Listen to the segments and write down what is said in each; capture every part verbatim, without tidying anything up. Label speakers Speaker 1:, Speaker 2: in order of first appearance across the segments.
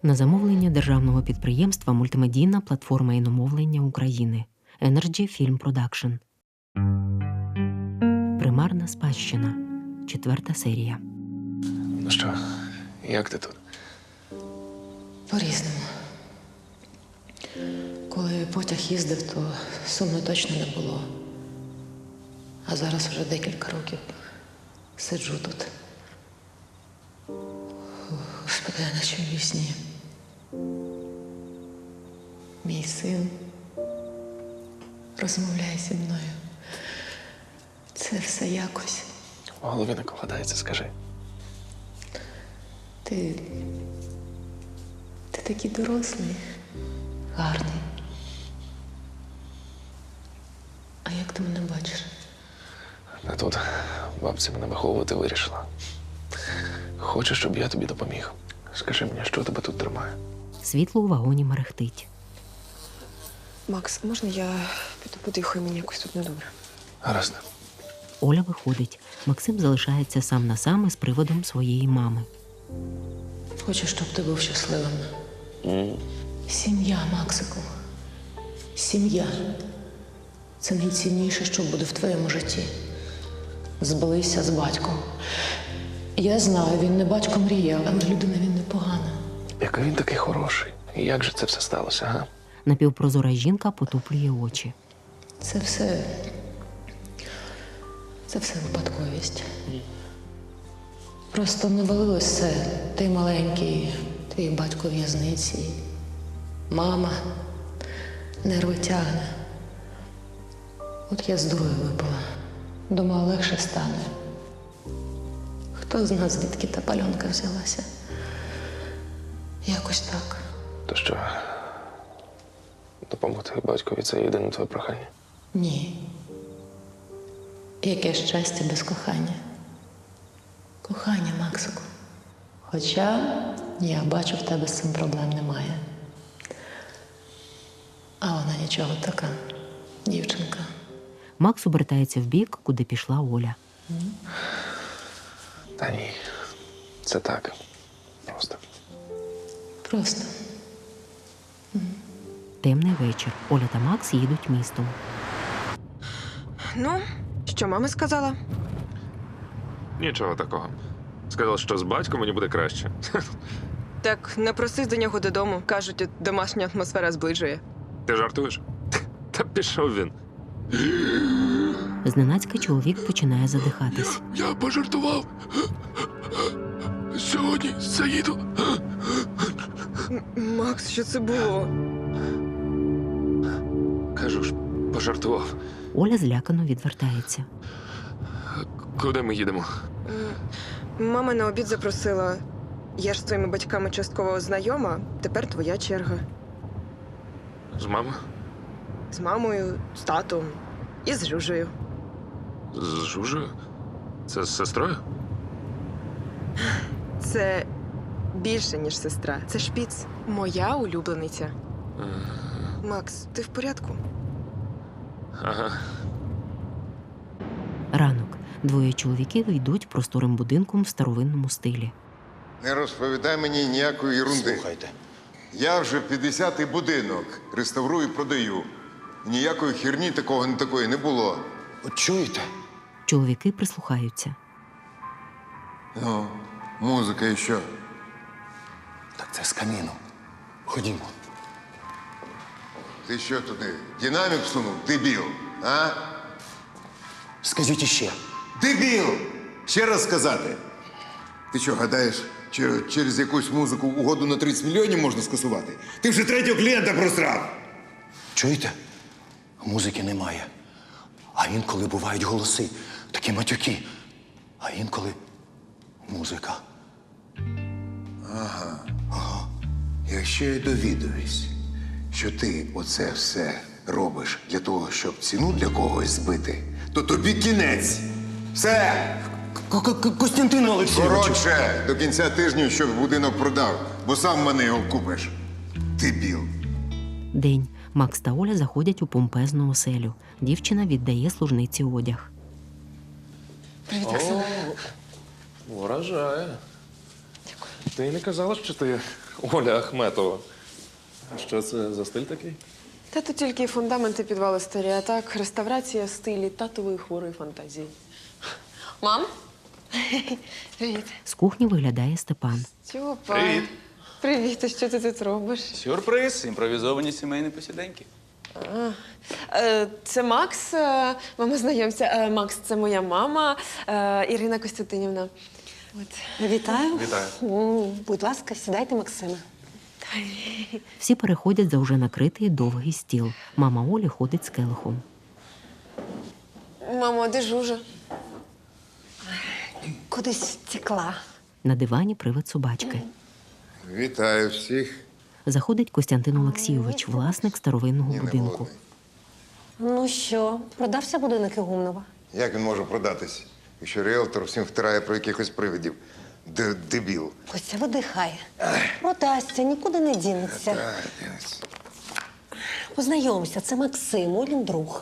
Speaker 1: На замовлення державного підприємства «Мультимедійна платформа іномовлення України» Energy Film Production. Примарна спадщина. Четверта серія.
Speaker 2: Ну що, як ти тут?
Speaker 3: По-різному. Коли потяг їздив, то сумно точно не було. А зараз вже декілька років сиджу тут. Господи, я наче в вісні. Мій син розмовляє зі мною. Це все якось.
Speaker 2: В голові не вкладається, скажи.
Speaker 3: Ти... Ти такий дорослий, гарний. А як ти мене бачиш?
Speaker 2: А тут бабця мене виховувати вирішила. Хочеш, щоб я тобі допоміг? Скажи мені, що тебе тут тримає?
Speaker 1: Світло у вагоні мерехтить.
Speaker 4: Макс, можна я піду подихаю, мені якось тут недобре?
Speaker 2: Гаразд.
Speaker 1: Оля виходить. Максим залишається сам на сам із приводом своєї мами.
Speaker 3: Хочу, щоб ти був щасливим.
Speaker 2: Mm.
Speaker 3: Сім'я, Максику. Сім'я. Це найцінніше, що буде в твоєму житті. Збилися з батьком. Я знаю, він не батько мріяв, але людина він непогана.
Speaker 2: Який він такий хороший. І як же це все сталося, га?
Speaker 1: Напівпрозора жінка потуплює очі.
Speaker 3: Це все... Це все випадковість. Просто навалилось все. Ти маленький, твій батько в в'язниці. Мама нерви тягне. От я з дурою випала. Думала, легше стане. Хто з нас, звідки та пальонка взялася? Якось так.
Speaker 2: То що, допомогти батькові – це єдине твоє прохання?
Speaker 3: Ні. Яке щастя без кохання. Кохання, Максику. Хоча я бачу, в тебе з цим проблем немає. А вона нічого така, дівчинка.
Speaker 1: Макс обертається в бік, куди пішла Оля.
Speaker 2: Та ні, це так. Просто.
Speaker 3: Просто.
Speaker 1: Темний вечір. Оля та Макс їдуть містом.
Speaker 4: Ну, що мама сказала?
Speaker 5: Нічого такого. Сказав, що з батьком мені буде краще.
Speaker 4: Так, не просись до нього додому. Кажуть, от домашня атмосфера зближує.
Speaker 5: Ти жартуєш? Та пішов він.
Speaker 1: Зненацька чоловік починає задихатись.
Speaker 5: Я пожартував. Сьогодні заїду.
Speaker 4: М- Макс, що це було?
Speaker 5: Кажу ж, пожартував.
Speaker 1: Оля злякано відвертається.
Speaker 5: Куди ми їдемо?
Speaker 4: М, Мама на обід запросила. Я ж з твоїми батьками частково знайома, тепер твоя черга.
Speaker 5: З мамою?
Speaker 4: З мамою, з татом і з Жужею.
Speaker 5: З Жужею? Це з сестрою?
Speaker 4: Це більше, ніж сестра. Це шпіц. Моя улюблениця. Макс, ти в порядку?
Speaker 5: Ага.
Speaker 1: Ранок. Двоє чоловіків йдуть просторим будинком в старовинному стилі.
Speaker 6: Не розповідай мені ніякої ерунди.
Speaker 7: Слухайте.
Speaker 6: Я вже п'ятдесятий будинок реставрую і продаю. Ніякої херні такого не такої не було.
Speaker 7: От чуєте?
Speaker 1: Чоловіки прислухаються.
Speaker 6: Ну, музика і що?
Speaker 7: Так це з каміну. Ходімо.
Speaker 6: Ти що туди? Динамік всунув? Дебіл, а?
Speaker 7: Скажіть іще.
Speaker 6: Дебіл! Ще раз сказати. Ти що, гадаєш, що через якусь музику угоду на тридцять мільйонів можна скасувати? Ти вже третього клієнта просрав!
Speaker 7: Чуєте? Музики немає. А інколи бувають голоси, такі матюки. А інколи музика.
Speaker 6: Якщо я довідуюсь, що ти оце все робиш для того, щоб ціну для когось збити, то тобі кінець. Все!
Speaker 7: Костянтин Олексійович!
Speaker 6: Коротше, до кінця тижня, щоб будинок продав, бо сам мене його купиш. Дебіл.
Speaker 1: День. Макс та Оля заходять у помпезну оселю. Дівчина віддає служниці одяг.
Speaker 3: Привіт, Оксана.
Speaker 2: Вражає.
Speaker 3: Дякую.
Speaker 5: Ти не казала, що ти Оля Ахметова. А що це за стиль такий?
Speaker 4: Та тут тільки фундаменти підвали старі, а так реставрація в стилі татової хворої фантазії. Мам? Привіт.
Speaker 1: З кухні виглядає Степан.
Speaker 4: Стьопа.
Speaker 5: Привіт.
Speaker 4: Привіт, а що ти тут робиш?
Speaker 8: Сюрприз, імпровізовані сімейні посіденьки.
Speaker 4: Е, Це Макс, е, мама, знайомся. Е, Макс, це моя мама, е, Ірина Костянтинівна. От.
Speaker 9: Вітаю.
Speaker 5: Вітаю.
Speaker 9: М, Будь ласка, сідайте, Максиме.
Speaker 1: Всі переходять за вже накритий довгий стіл. Мама Олі ходить з келихом.
Speaker 4: Мамо, а де Жужа?
Speaker 9: Кудись втекла.
Speaker 1: На дивані привид собачки.
Speaker 6: Вітаю всіх.
Speaker 1: Заходить Костянтин Олексійович, власник старовинного
Speaker 6: Ні, не
Speaker 1: будинку.
Speaker 6: голодний.
Speaker 9: Ну що, продався будинок Ігумнова?
Speaker 6: Як він може продатись, якщо ріелтор всім втирає про якихось привидів? Д- Дебіл.
Speaker 9: Костя видихає. Продасться, нікуди не дінеться.
Speaker 6: Так, дінець.
Speaker 9: Познайомся, це Максим, Олін друг.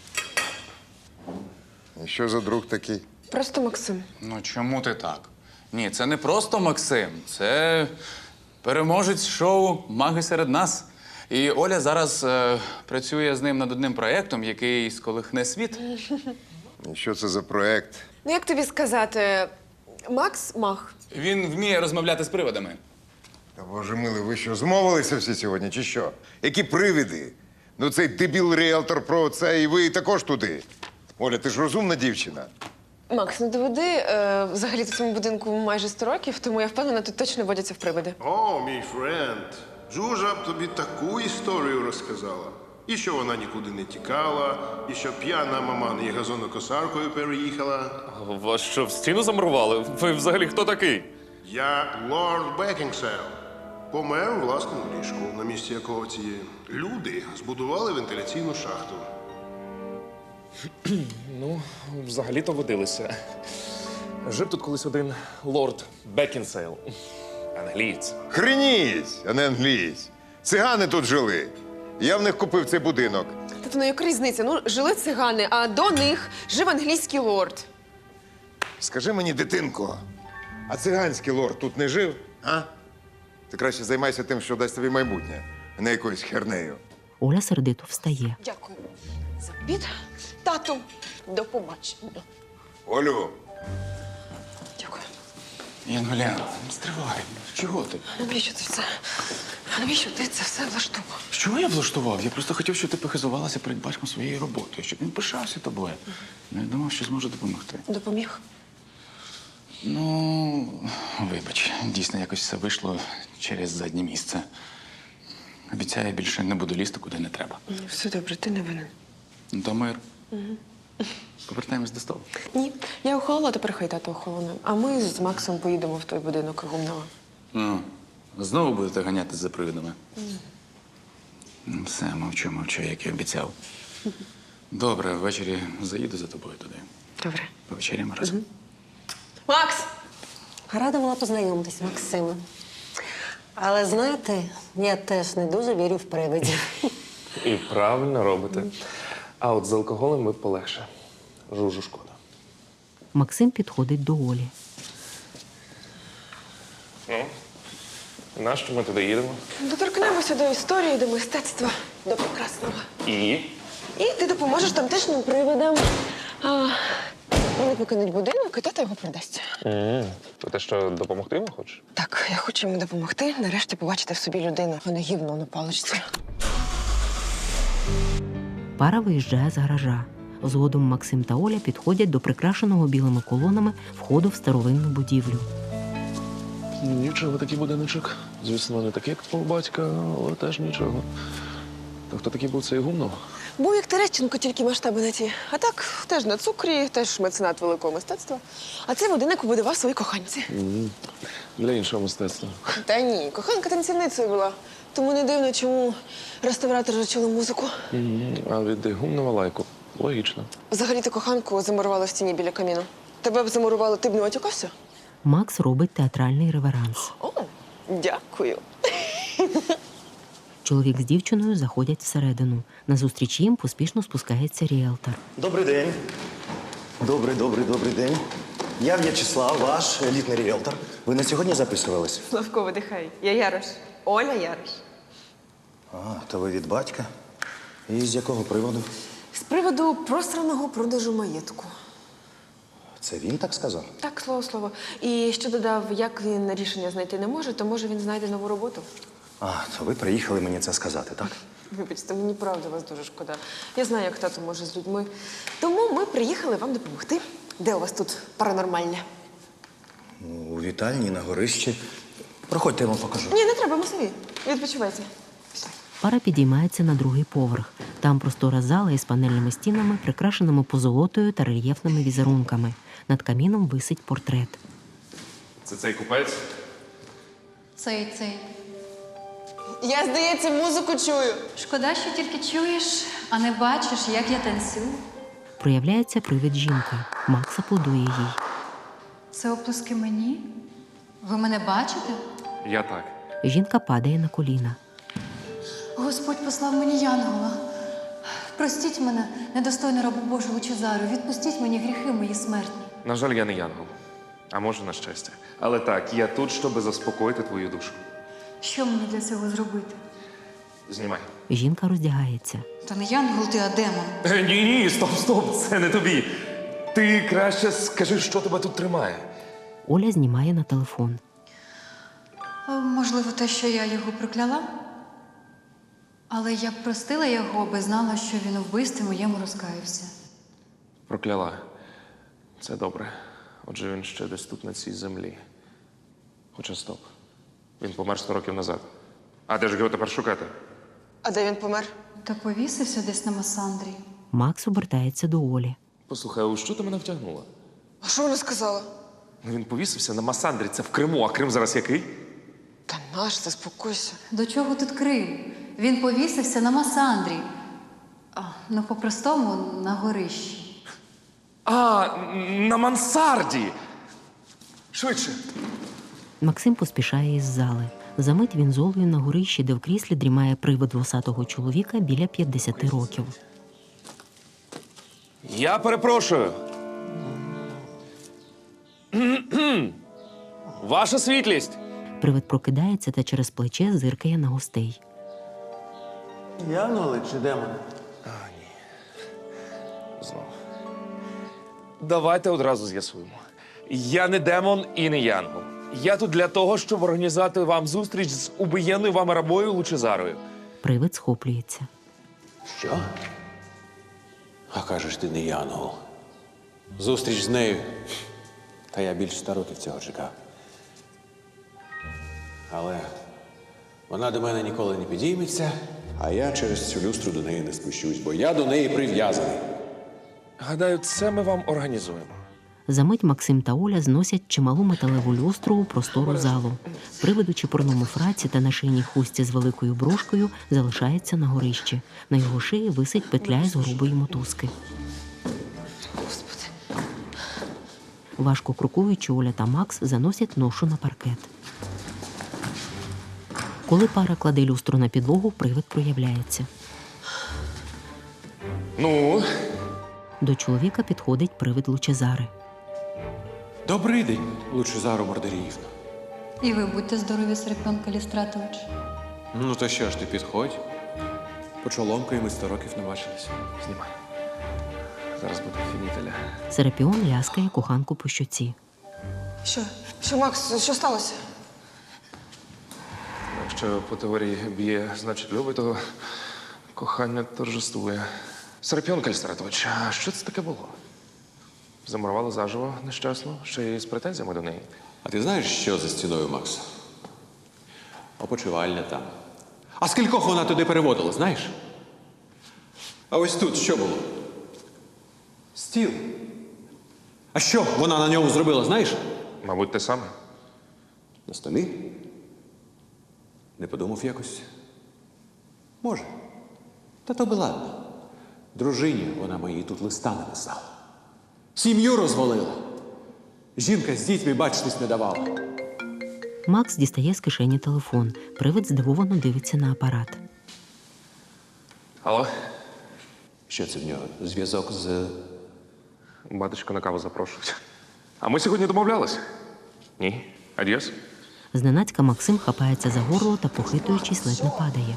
Speaker 6: І що за друг такий?
Speaker 4: Просто Максим.
Speaker 8: Ну чому ти так? Ні, це не просто Максим, це переможець шоу Маги серед нас. І Оля зараз е, працює з ним над одним проєктом, який сколихне світ.
Speaker 6: І що це за проект?
Speaker 4: Ну, як тобі сказати, Макс мах.
Speaker 8: Він вміє розмовляти з приводами.
Speaker 6: Та боже милий, ви що, змовилися всі сьогодні, чи що? Які привиди? Ну цей дебіл ріелтор про це, і ви також туди. Оля, ти ж розумна дівчина.
Speaker 4: Макс, не доведи. Е, взагалі в цьому будинку майже сто років, тому я впевнена, тут точно водяться в привиди.
Speaker 10: О, мій френд, Джужа б тобі таку історію розказала. І що вона нікуди не тікала, і що п'яна маман і газонокосаркою переїхала.
Speaker 5: Вас що, в стіну замурували? Ви взагалі хто такий?
Speaker 10: Я лорд Бекінгсейл. Помер у власному ліжку, на місці якого ці люди збудували вентиляційну шахту.
Speaker 5: Ну, взагалі-то водилися. Жив тут колись один лорд Бекінсейл. Англієць.
Speaker 6: Хреніть, а не англієць. Цигани тут жили. Я в них купив цей будинок.
Speaker 4: Тобто, ну яка різниця? Ну, жили цигани, а до них жив англійський лорд.
Speaker 6: Скажи мені, дитинко, а циганський лорд тут не жив, а? Ти краще займайся тим, що дасть тобі майбутнє, а не якоюсь хернею.
Speaker 1: Оля сердито встає.
Speaker 4: Дякую за обід. Тату, до побачення.
Speaker 6: Олю,
Speaker 4: Дякую.
Speaker 8: Янголя, не стривай. Чого ти?
Speaker 4: Навіщо ти це? Навіщо ти це все влаштував?
Speaker 8: Що я влаштував? Я просто хотів, щоб ти похизувалася перед батьком своєю роботою, щоб він пишався тобою. Не думав, що зможу допомогти.
Speaker 4: Допоміг?
Speaker 8: Ну, вибач, дійсно якось все вийшло через заднє місце. Обіцяю, більше не буду лізти, куди не треба.
Speaker 4: Все добре, ти не винен.
Speaker 8: Ну, то мир. Повертаємось до столу.
Speaker 4: Ні, я охолола, тепер хай тато охолоне. А ми з Максом поїдемо в той будинок Гумнова.
Speaker 8: Ну, знову будете ганятись за привидами. Ну, все, мовчу, мовчу, як і обіцяв. Добре, ввечері заїду за тобою туди.
Speaker 4: Добре.
Speaker 8: Повечеряємо разом.
Speaker 4: Макс!
Speaker 9: Рада була познайомитись, Максиме. Але знаєте, я теж не дуже вірю в привидів.
Speaker 5: І правильно робите. А от з алкоголем ми полегше. Жужу шкода.
Speaker 1: Максим підходить до Олі.
Speaker 5: Ну, нащо ми туди їдемо?
Speaker 4: Доторкнемося до історії, до мистецтва, до прекрасного.
Speaker 5: І?
Speaker 4: І ти допоможеш тамтешнім привидам. А, вони покинуть будинок, і тато його продасть.
Speaker 5: Mm. То те, що допомогти йому хочеш?
Speaker 4: Так, я хочу йому допомогти, нарешті побачити в собі людину, а не гівно на паличці.
Speaker 1: Пара виїжджає з гаража. Згодом Максим та Оля підходять до прикрашеного білими колонами входу в старовинну будівлю.
Speaker 5: Нічого, такий будиночок. Звісно, не такий, як твого батька, але теж нічого. То хто такий був цей Гумнов?
Speaker 4: Був як Терещенко, тільки масштаби не ті. А так, теж на цукрі, теж меценат великого мистецтва. А цей будинок побудував свої коханці.
Speaker 5: Mm. Для іншого мистецтва.
Speaker 4: Та ні, коханка танцівницею була. Тому не дивно, чому реставратори чули музику.
Speaker 5: Mm. А від Гумнова лайку. Логічно.
Speaker 4: Взагалі-то коханку замурували в стіні біля каміну. Тебе б замурували, ти б не отікався?
Speaker 1: Макс робить театральний реверанс.
Speaker 4: О, дякую.
Speaker 1: Чоловік з дівчиною заходять всередину. Назустріч їм поспішно спускається ріелтор.
Speaker 7: Добрий день. Добрий, добрий, добрий день.
Speaker 11: Я В'ячеслав, ваш елітний ріелтор. Ви на сьогодні записувались?
Speaker 4: Славко, видихай. Я Ярош. Оля Ярош.
Speaker 11: А, то ви від батька. І з якого приводу?
Speaker 4: З приводу просраного продажу маєтку.
Speaker 11: Це він так сказав?
Speaker 4: Так, слово слово. І ще додав, як він рішення знайти не може, то може він знайде нову роботу.
Speaker 11: А, то ви приїхали мені це сказати, так?
Speaker 4: Вибачте, мені правда вас дуже шкода. Я знаю, як тато може з людьми. Тому ми приїхали вам допомогти. Де у вас тут паранормальне?
Speaker 11: Ну, у вітальні, на горищі. Проходьте, я вам покажу.
Speaker 4: Ні, не треба, ми самі. Відпочивайте. Пішли.
Speaker 1: Пара підіймається на другий поверх. Там простора зала із панельними стінами, прикрашеними позолотою та рельєфними візерунками. Над каміном висить портрет.
Speaker 5: Це цей купець?
Speaker 12: Цей, цей.
Speaker 4: Я, здається, музику чую.
Speaker 12: Шкода, що тільки чуєш, а не бачиш, як я танцюю.
Speaker 1: Проявляється привид жінки. Макс аплодує їй.
Speaker 12: Це оплески мені? Ви мене бачите?
Speaker 5: Я так.
Speaker 1: Жінка падає на коліна.
Speaker 12: Господь послав мені янгола. Простіть мене, недостойну рабу Божу Лучезару. Відпустіть мені гріхи мої смертні.
Speaker 5: На жаль, я не янгол. А може, на щастя. Але так, я тут, щоб заспокоїти твою душу.
Speaker 12: Що мені для цього зробити?
Speaker 5: Знімай.
Speaker 1: Жінка роздягається.
Speaker 12: Та не янгол ти, а демон.
Speaker 5: Е, ні, ні, стоп, стоп, це не тобі. Ти краще скажи, що тебе тут тримає.
Speaker 1: Оля знімає на телефон.
Speaker 12: О, можливо, те, що я його прокляла? Але я б простила його, аби знала, що він у вбивстві моєму розкаявся.
Speaker 5: Прокляла. Це добре. Отже, він ще десь тут, на цій землі. Хоча стоп. Він помер сто років назад. А де ж його тепер шукати?
Speaker 4: А де він помер?
Speaker 12: Та повісився десь на Масандрі.
Speaker 1: Макс обертається до Олі.
Speaker 5: Послухай, а у що ти мене втягнула?
Speaker 4: А що вона сказала?
Speaker 5: Ну, він повісився на Масандрі, це в Криму, а Крим зараз який?
Speaker 4: Та наш, заспокойся.
Speaker 12: До чого тут Крим? Він повісився на Масандрі. А, ну, по-простому, на горищі.
Speaker 5: А, на мансарді! Швидше.
Speaker 1: Максим поспішає із зали. Замить він з Олею на горищі, де в кріслі дрімає привид вусатого чоловіка біля п'ятдесяти років.
Speaker 5: Я перепрошую. Ваша світлість!
Speaker 1: Привид прокидається та через плече зиркає на гостей.
Speaker 7: Янголи чи демони?
Speaker 5: Знову. Давайте одразу з'ясуємо. Я не демон і не янгол. Я тут для того, щоб організувати вам зустріч з убиєнною вами рабою Лучезарою.
Speaker 1: Привид схоплюється.
Speaker 7: Що? А кажеш, ти не янгол. Зустріч з нею. Та я більше ста років цього чекав. Але вона до мене ніколи не підійметься, а я через цю люстру до неї не спущусь, бо я до неї прив'язаний.
Speaker 5: Гадаю, це ми вам організуємо.
Speaker 1: Замить Максим та Оля зносять чималу металеву люстру у простору залу. Привид у чепурному фраці та на шийній хустці з великою брошкою залишається на горищі. На його шиї висить петля із грубої мотузки.
Speaker 4: Господи.
Speaker 1: Важко крокуючи, Оля та Макс заносять ношу на паркет. Коли пара кладе люстру на підлогу, привид проявляється.
Speaker 5: Ну,
Speaker 1: До чоловіка підходить привид Лучезари.
Speaker 7: Добрий день, Лучезару Мордеріївна.
Speaker 12: І ви будьте здорові, Серпіон Калістратович.
Speaker 7: Ну то що ж ти, підходь. Почоломкою ми сто років не бачилися.
Speaker 5: знімай. Зараз буде фінітеля.
Speaker 1: Серапіон ляскає коханку по щоці.
Speaker 4: Що? Що, Макс, що сталося?
Speaker 5: Якщо по теорії б'є, значить любить, то кохання торжествує. Серапіон Кальстратович, а що це таке було? Замурували заживо нещасно, ще й з претензіями до неї.
Speaker 7: А ти знаєш, що за стіною, Макс? Опочивальня там. А скількох вона туди переводила, знаєш? А ось тут що було? Стіл. А що вона на ньому зробила, знаєш?
Speaker 5: Мабуть, те саме.
Speaker 7: На столі? Не подумав якось? Може. Та то би ладно. Дружині вона моїй тут листа написала. Сім'ю розвалила. Жінка з дітьми бачитись не давала.
Speaker 1: Макс дістає з кишені телефон. Привид здивовано дивиться на апарат.
Speaker 5: Алло?
Speaker 7: Що це в нього? Зв'язок з...
Speaker 5: Батечко на каву запрошують. А ми сьогодні домовлялися? Ні. Адіос.
Speaker 1: Зненацька Максим хапається за горло та, похитуючись, ледь не падає.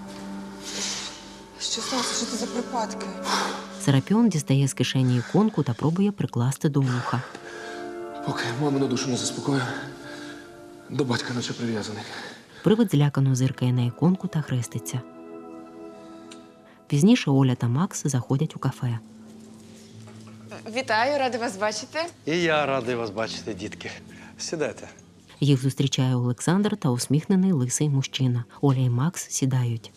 Speaker 4: Що сталося? Що це за припадки?
Speaker 1: Серапіон дістає з кишені іконку та пробує прикласти до вуха.
Speaker 5: Поки мамину душу не заспокою, до батька наче прив'язаний.
Speaker 1: Привид злякано зиркає на іконку та хреститься. Пізніше Оля та Макс заходять у кафе.
Speaker 4: Вітаю, рада вас бачити.
Speaker 11: І я радий вас бачити, дітки. Сідайте.
Speaker 1: Їх зустрічає Олександр та усміхнений лисий мужчина. Оля і Макс сідають.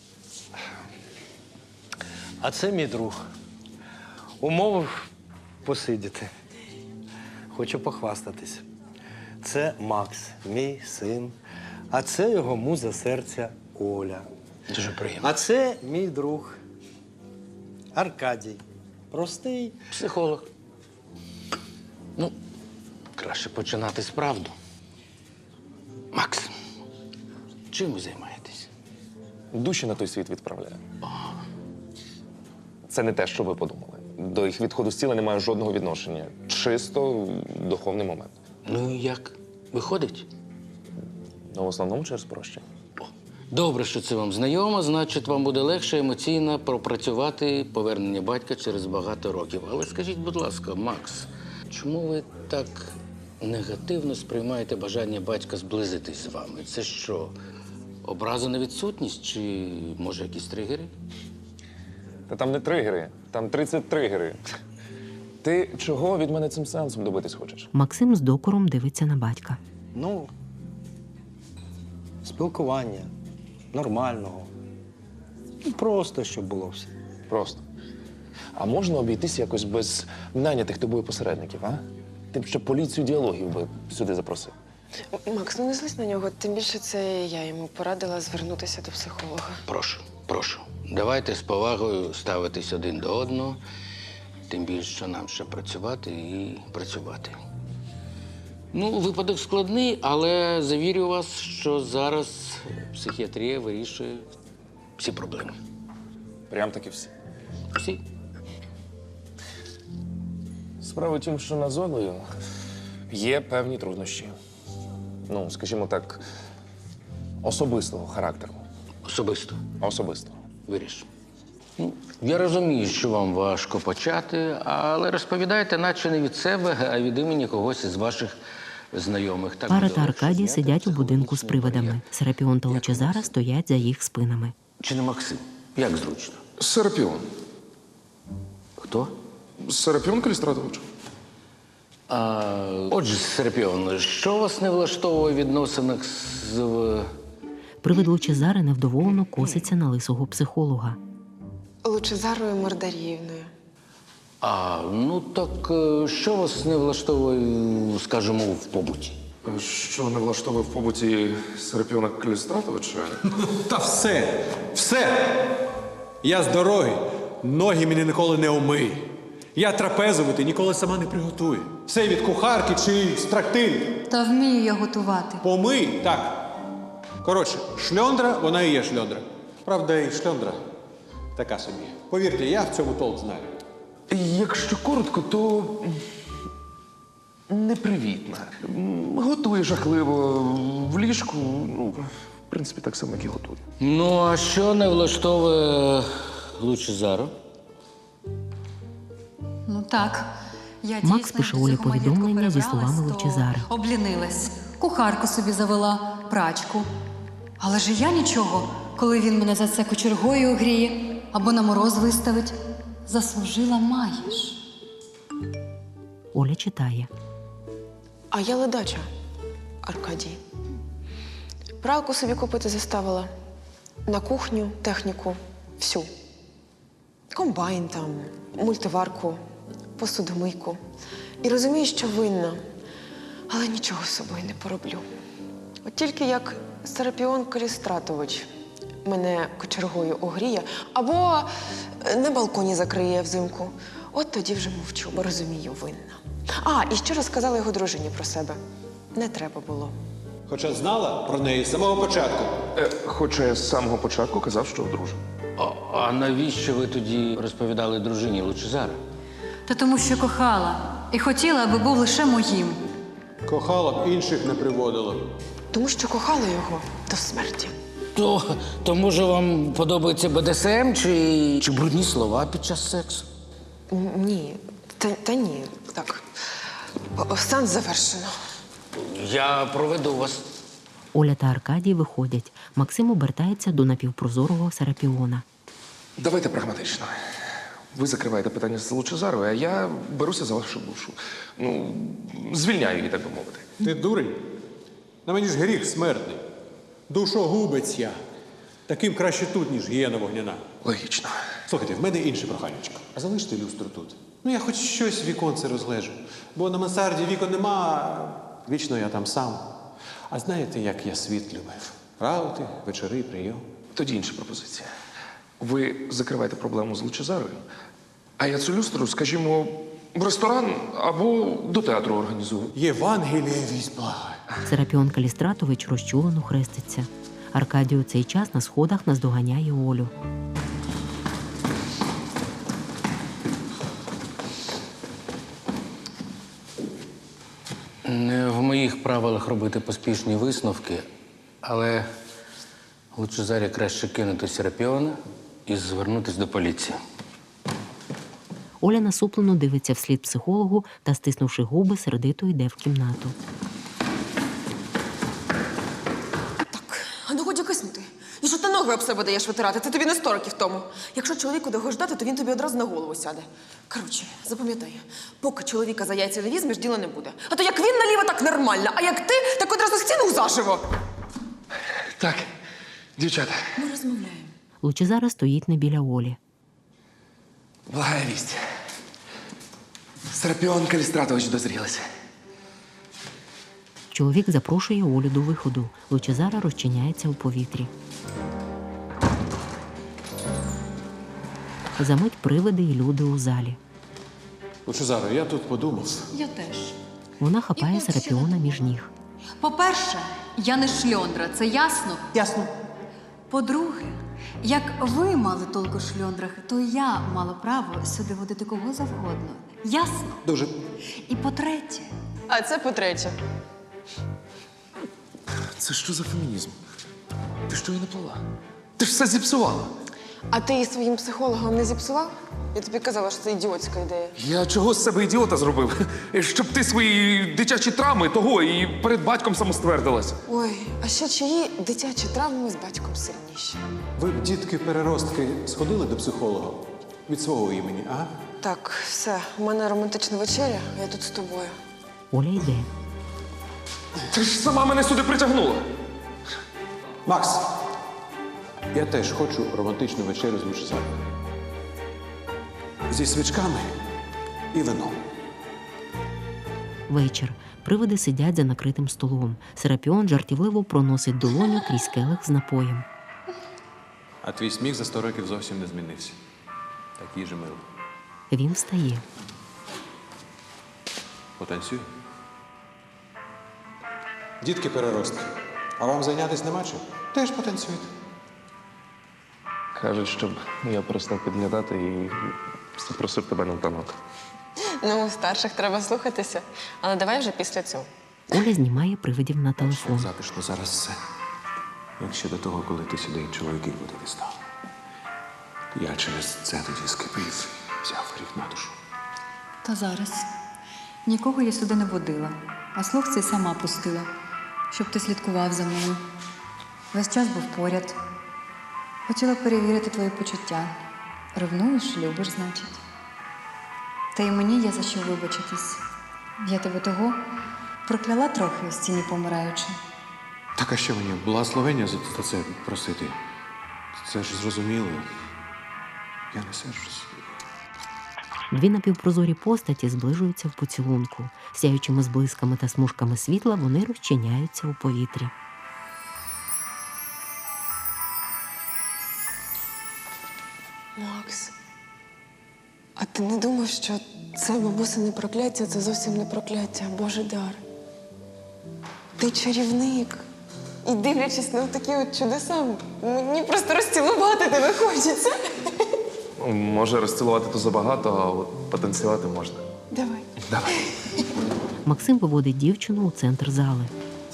Speaker 11: А це мій друг. Умовив посидіти. Хочу похвастатись. Це Макс, мій син. А це його муза серця Оля.
Speaker 13: Дуже приємно.
Speaker 11: А це мій друг Аркадій. Простий.
Speaker 13: Психолог. Ну, краще починати з правду. Макс, чим ви займаєтесь?
Speaker 2: Душі на той світ відправляю. Це не те, що ви подумали. До їх відходу з тіла немає жодного відношення. Чисто духовний момент.
Speaker 13: Ну і як? Виходить?
Speaker 2: Ну, в основному через прощення.
Speaker 13: Добре, що це вам знайомо, значить, вам буде легше емоційно пропрацювати повернення батька через багато років. Але скажіть, будь ласка, Макс, чому ви так негативно сприймаєте бажання батька зблизитись з вами? Це що, образа на відсутність чи, може, якісь тригери?
Speaker 2: Та там не тригери, там тридцять тригери. Ти чого від мене цим сеансом добитись хочеш?
Speaker 1: Максим з докором дивиться на батька.
Speaker 11: Ну, спілкування нормального. Ну, просто, щоб було все.
Speaker 2: Просто. А можна обійтися якось без нанятих тобою посередників, а? Ти б ще поліцію діалогів би сюди запросив.
Speaker 4: Макс, ну не злись на нього, тим більше це я йому порадила звернутися до психолога.
Speaker 13: Прошу, прошу. Давайте з повагою ставитись один до одного, тим більше, що нам ще працювати і працювати. Ну, випадок складний, але завірю вас, що зараз психіатрія вирішує всі проблеми.
Speaker 2: Прям таки всі.
Speaker 13: Всі.
Speaker 2: Справа в тім, що на Золою є певні труднощі. Ну, скажімо так, особистого характеру.
Speaker 13: Особисто.
Speaker 2: Особистого.
Speaker 13: Виріш. Ну, я розумію, що вам важко почати, але розповідайте, наче не від себе, а від імені когось із ваших знайомих. Так
Speaker 1: Пара
Speaker 13: буде
Speaker 1: та
Speaker 13: легше.
Speaker 1: Аркадій сидять у будинку з привидами. Серапіон та Лучезара стоять за їх спинами.
Speaker 13: Чи не Максим? Як зручно?
Speaker 5: Серапіон.
Speaker 13: Хто?
Speaker 5: Серапіон Калістратович.
Speaker 13: А, отже, Серапіон, що вас не влаштовує в відносинах з... е,
Speaker 1: Привид Лучезари невдоволено коситься на лисого психолога.
Speaker 4: Лучезарою Мордаріївною.
Speaker 13: А, ну так е, що вас не влаштовує, скажімо, в побуті?
Speaker 5: Що не влаштовує в побуті Серапіона Калістратовича?
Speaker 7: Та все, все. Я з дороги, ноги мені ніколи не умий. Я трапезувати ніколи сама не приготую. Все від кухарки чи з трактирів.
Speaker 12: Та вмію я готувати.
Speaker 7: Помий, так. Коротше, шльондра, вона і є шльондра. Правда, і шльондра така собі. Повірте, я в цьому толк знаю.
Speaker 5: Якщо коротко, то непривітна. Готує жахливо в ліжку. Ну, в принципі, так само, як і готує.
Speaker 13: Ну, а що не влаштовує Лучезару?
Speaker 12: Ну так. Я
Speaker 1: Макс
Speaker 12: дійсно
Speaker 1: пише
Speaker 12: до
Speaker 1: Олі
Speaker 12: цього маєтку
Speaker 1: повідомлення зі
Speaker 12: перебралась,
Speaker 1: словами
Speaker 12: то
Speaker 1: Лучезари.
Speaker 12: Облінилась. Кухарку собі завела, прачку. Але ж я нічого, коли він мене за це кочергою огріє або на мороз виставить. Заслужила маєш.
Speaker 1: Оля читає.
Speaker 4: А я ледача, Аркадій. Пралку собі купити заставила. На кухню, техніку, всю. Комбайн там, мультиварку, посудомийку. І розумію, що винна, але нічого з собою не пороблю. От тільки як Серапіон Калістратович мене кочергою огріє або на балконі закриє взимку, от тоді вже мовчу, бо розумію, винна. А, і ще розказала його дружині про себе. Не треба було.
Speaker 7: Хоча знала про неї з самого початку.
Speaker 5: Е, хоча я з самого початку казав, що одружений.
Speaker 13: А, а навіщо ви тоді розповідали дружині Лучезари?
Speaker 12: Та тому, що кохала. і хотіла, аби був лише моїм.
Speaker 7: Кохала б, інших не приводила.
Speaker 4: Тому що кохала його до смерті.
Speaker 13: То, то може вам подобається Бе Де Ес Ем чи, чи брудні слова під час сексу?
Speaker 4: Н- Ні, та, та ні. Так. О- Сеанс завершено.
Speaker 13: Я проведу вас.
Speaker 1: Оля та Аркадій виходять. Максим обертається до напівпрозорого Серапіона.
Speaker 2: Давайте прагматично. Ви закриваєте питання з Лучезарою, а я беруся за вашу душу. Ну, звільняю її, так би мовити.
Speaker 7: Ти дурень? На мені ж гріх смертний. Душогубець я. Таким краще тут, ніж гієна вогняна.
Speaker 2: Логічно.
Speaker 7: Слухайте, в мене інше проханечко. А залиште люстру тут. Ну, я хоч щось в віконце розлежу. Бо на мансарді вікон нема, а вічно я там сам. А знаєте, як я світ любив? Раути, вечори, прийом.
Speaker 2: Тоді інша пропозиція. Ви закриваєте проблему з Лучезарою, а я цю люстру, скажімо, в ресторан або до театру організую.
Speaker 7: Євангеліє вісь благає.
Speaker 1: Серапіон Калістратович розчулено хреститься. Аркадій у цей час на сходах наздоганяє Олю.
Speaker 13: Не в моїх правилах робити поспішні висновки, але Лучезарі краще кинути Серапіона і звернутися до поліції.
Speaker 1: Оля насуплено дивиться вслід психологу та, стиснувши губи, сердито йде в кімнату.
Speaker 4: А ну годі киснути. І що ти ноги об себе даєш витирати? Це тобі не сто років тому. Якщо чоловіку довго ждати, то він тобі одразу на голову сяде. Коротше, запам'ятай, поки чоловіка за яйця не візьмеш, діла не буде. А то як він наліво, так нормально, а як ти, так одразу стіну заживо.
Speaker 2: Так, дівчата,
Speaker 4: Ми розмовляємо.
Speaker 1: Лучезара стоїть не біля Олі.
Speaker 2: благая вість. Серапіон Калістратович дозрілися.
Speaker 1: Чоловік запрошує Олю до виходу. Лучезара розчиняється у повітрі. Замить привиди і люди у залі.
Speaker 7: Лучезаро, я тут подумав.
Speaker 12: Я теж.
Speaker 1: Вона хапає Серапіона між ніг.
Speaker 12: По-перше, я не шльондра, це ясно?
Speaker 7: Ясно.
Speaker 12: По-друге, як ви мали толку в шльондрах, то я мала право сюди водити кого завгодно. Ясно?
Speaker 7: Дуже.
Speaker 12: І по-третє,
Speaker 4: А це по-третє.
Speaker 2: Це що за фемінізм? Ти що її не плела? Ти ж все зіпсувала.
Speaker 4: А ти її своїм психологом не зіпсував? Я тобі казала, що це ідіотська ідея.
Speaker 2: Я чого з себе ідіота зробив? Щоб ти свої дитячі травми того і перед батьком самоствердилась.
Speaker 4: Ой, а ще чиї дитячі травми з батьком сильніші?
Speaker 7: Ви б, дітки-переростки, сходили до психолога? Від свого імені, ага?
Speaker 4: Так, все, у мене романтична вечеря, а я тут з тобою.
Speaker 1: Оля йде.
Speaker 2: Ти ж сама мене сюди притягнула.
Speaker 7: Макс, я теж хочу романтичну вечерю з Лучезарою. Зі свічками і вином.
Speaker 1: Вечір. Привиди сидять за накритим столом. Серапіон жартівливо проносить долоню крізь келих з напоєм.
Speaker 7: А твій сміх за сто років зовсім не змінився. Такий же милий.
Speaker 1: Він встає.
Speaker 7: Потанцюй. Дітки-переростки, а вам зайнятися нема чим? Теж потанцюйте.
Speaker 2: Кажуть, щоб я перестав підглядати і запросив тебе на танок.
Speaker 4: Ну, старших треба слухатися, але давай вже після цього.
Speaker 1: Оля знімає привидів на телефон.
Speaker 7: Затишно зараз все. Як ще до того, коли ти сюди чоловіків водити став. Я через це тоді скипів, взяв гріх на душу.
Speaker 12: та зараз. Нікого я сюди не водила, а слух цей сама пустила, щоб ти слідкував за мною. Весь час був поряд. Хотіла перевірити твої почуття. Ревнуєш, любиш, значить. Та й мені є за що вибачитись. Я тебе того прокляла трохи в стіні помираючи.
Speaker 7: Так, а що мені, благословення за за це просити? Це ж зрозуміло. Я не сержусь.
Speaker 1: Дві напівпрозорі постаті зближуються в поцілунку. Сяючими зблисками та смужками світла вони розчиняються у повітрі.
Speaker 4: Макс, а ти не думав, що це бабусине прокляття, це зовсім не прокляття, а Божий дар? Ти чарівник. І дивлячись на такі от чудеса, мені просто розцілувати тебе хочеться.
Speaker 2: Може, розцілувати то забагато, а от потанцювати можна.
Speaker 4: Давай.
Speaker 2: Давай.
Speaker 1: Максим виводить дівчину у центр зали.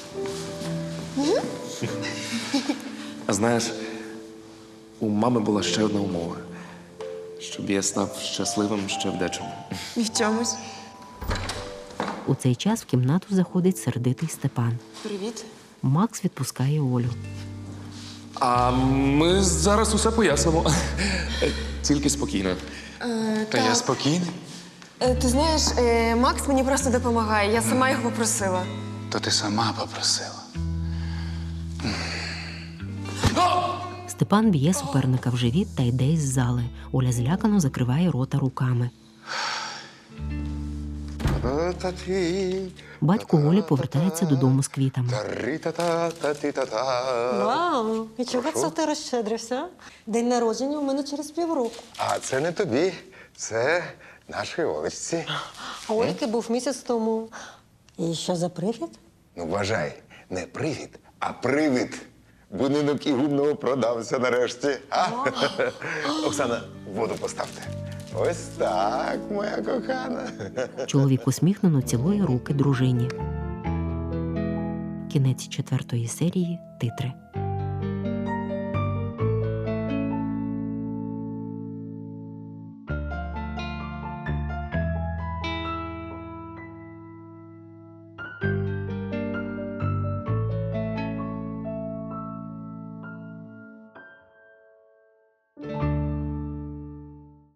Speaker 2: А знаєш, у мами була ще одна умова. Щоб я став щасливим ще в дечому.
Speaker 4: І в чомусь.
Speaker 1: У цей час в кімнату заходить сердитий Степан.
Speaker 4: Привіт.
Speaker 1: Макс відпускає Олю.
Speaker 2: А ми зараз усе пояснимо. Тільки спокійно.
Speaker 4: Е,
Speaker 8: Та я спокійний.
Speaker 4: Е, ти знаєш, е, Макс мені просто допомагає. Я сама його попросила.
Speaker 8: То ти сама попросила.
Speaker 1: Степан б'є суперника в живіт та йде із зали. Оля злякано закриває рота руками. Батько Олі повертається додому з квітами.
Speaker 9: Вау! І чого це ти розщедрився? День народження у мене через півроку.
Speaker 6: А це не тобі, це нашій Олечці.
Speaker 9: А Ольки був місяць тому. І що за привід?
Speaker 6: Ну, вважай, не привід, а привид. Будинок і гумного продався нарешті. А? Оксана, воду поставте. Ось так, моя кохана.
Speaker 1: Чоловік усміхнено цілує руки дружині. Кінець четвертої серії. Титри.